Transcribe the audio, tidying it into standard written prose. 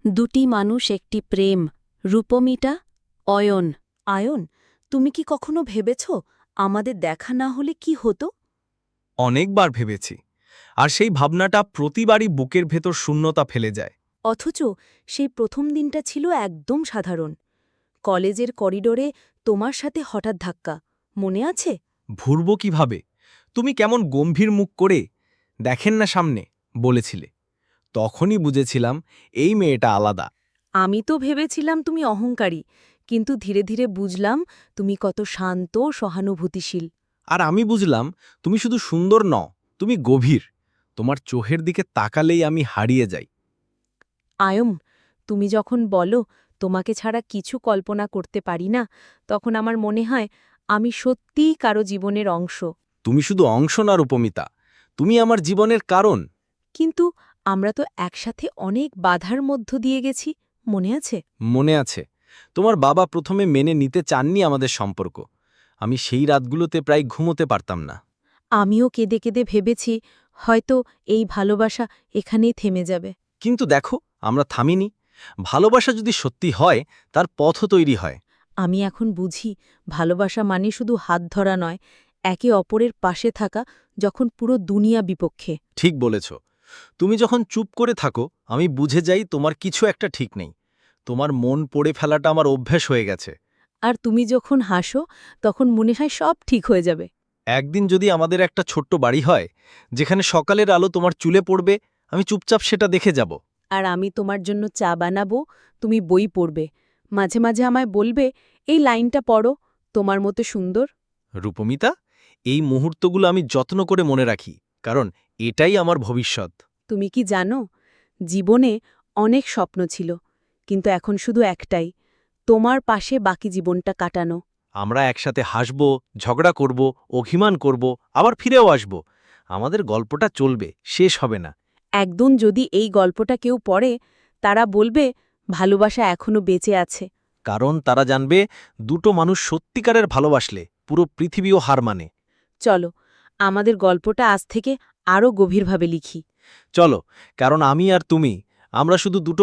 দুটি মানুষ একটি প্রেম রূপমিটা অয়ন। আয়ন, তুমি কি কখনো ভেবেছ আমাদের দেখা না হলে কি হতো? অনেকবার ভেবেছি, আর সেই ভাবনাটা প্রতিবারই বুকের ভেতর শূন্যতা ফেলে যায়। অথচ সেই প্রথম দিনটা ছিল একদম সাধারণ। কলেজের করিডোরে তোমার সাথে হঠাৎ ধাক্কা, মনে আছে? ভুরব কিভাবে? তুমি কেমন গম্ভীর মুখ করে দেখেন না সামনে বলেছিলে। তখনই বুঝেছিলাম এই মেয়েটা আলাদা। আমি তো ভেবেছিলাম তুমি অহংকারী, কিন্তু ধীরে ধীরে বুঝলাম তুমি কত শান্ত, সহানুভূতিশীল। আর আমি বুঝলাম তুমি শুধু সুন্দর নও, তুমি গভীর। তোমার চোখের দিকে তাকালেই আমি হারিয়ে যাই। আয়ম, তুমি যখন বলো তোমাকে ছাড়া কিছু কল্পনা করতে পারি না, তখন আমার মনে হয় আমি সত্যিই কারো জীবনের অংশ। তুমি শুধু অংশ না রূপমিতা, তুমি আমার জীবনের কারণ। কিন্তু আমরা তো একসাথে অনেক বাধার মধ্য দিয়ে গেছি, মনে আছে? মনে আছে, তোমার বাবা প্রথমে মেনে নিতে চাননি আমাদের সম্পর্ক। আমি সেই রাতগুলোতে প্রায় ঘুমোতে পারতাম না। আমিও কেঁদে কেঁদে ভেবেছি হয়তো এই ভালোবাসা এখানেই থেমে যাবে। কিন্তু দেখো, আমরা থামিনি। ভালোবাসা যদি সত্যি হয়, তার পথও তৈরি হয়। আমি এখন বুঝি ভালোবাসা মানে শুধু হাত ধরা নয়, একে অপরের পাশে থাকা যখন পুরো দুনিয়া বিপক্ষে। ঠিক বলেছ। তুমি যখন চুপ করে থাকো, আমি বুঝে যাই তোমার কিছু একটা ঠিক নেই। তোমার মন পড়ে ফেলাটা আমার অভ্যাস হয়ে গেছে। আর তুমি যখন হাসো তখন মনে হয় সব ঠিক হয়ে যাবে। একদিন যদি আমাদের একটা ছোট্ট বাড়ি হয়, যেখানে সকালের আলো তোমার চুলে পড়বে, আমি চুপচাপ সেটা দেখে যাব। আর আমি তোমার জন্য চা বানাবো, তুমি বই পড়বে। মাঝে মাঝে আমায় বলবে, এই লাইনটা পড়ো, তোমার মতো সুন্দর। রূপমিতা, এই মুহূর্তগুলো আমি যত্ন করে মনে রাখি, কারণ এটাই আমার ভবিষ্যৎ। তুমি কি জানো, জীবনে অনেক স্বপ্ন ছিল, কিন্তু এখন শুধু একটাই, তোমার পাশে বাকি জীবনটা কাটানো। আমরা একসাথে হাসব, ঝগড়া করব, অভিমান করব, আবার ফিরেও আসব। আমাদের গল্পটা চলবে, শেষ হবে না। একদিন যদি এই গল্পটা কেউ পড়ে, তারা বলবে ভালোবাসা এখনো বেঁচে আছে। কারণ তারা জানবে, দুটো মানুষ সত্যিকারের ভালোবাসলে পুরো পৃথিবীও হার মানে। চলো, আমাদের গল্পটা আজ থেকে আরও গভীরভাবে লিখি। চলো, কারণ আমি আর তুমি, আমরা শুধু দুটো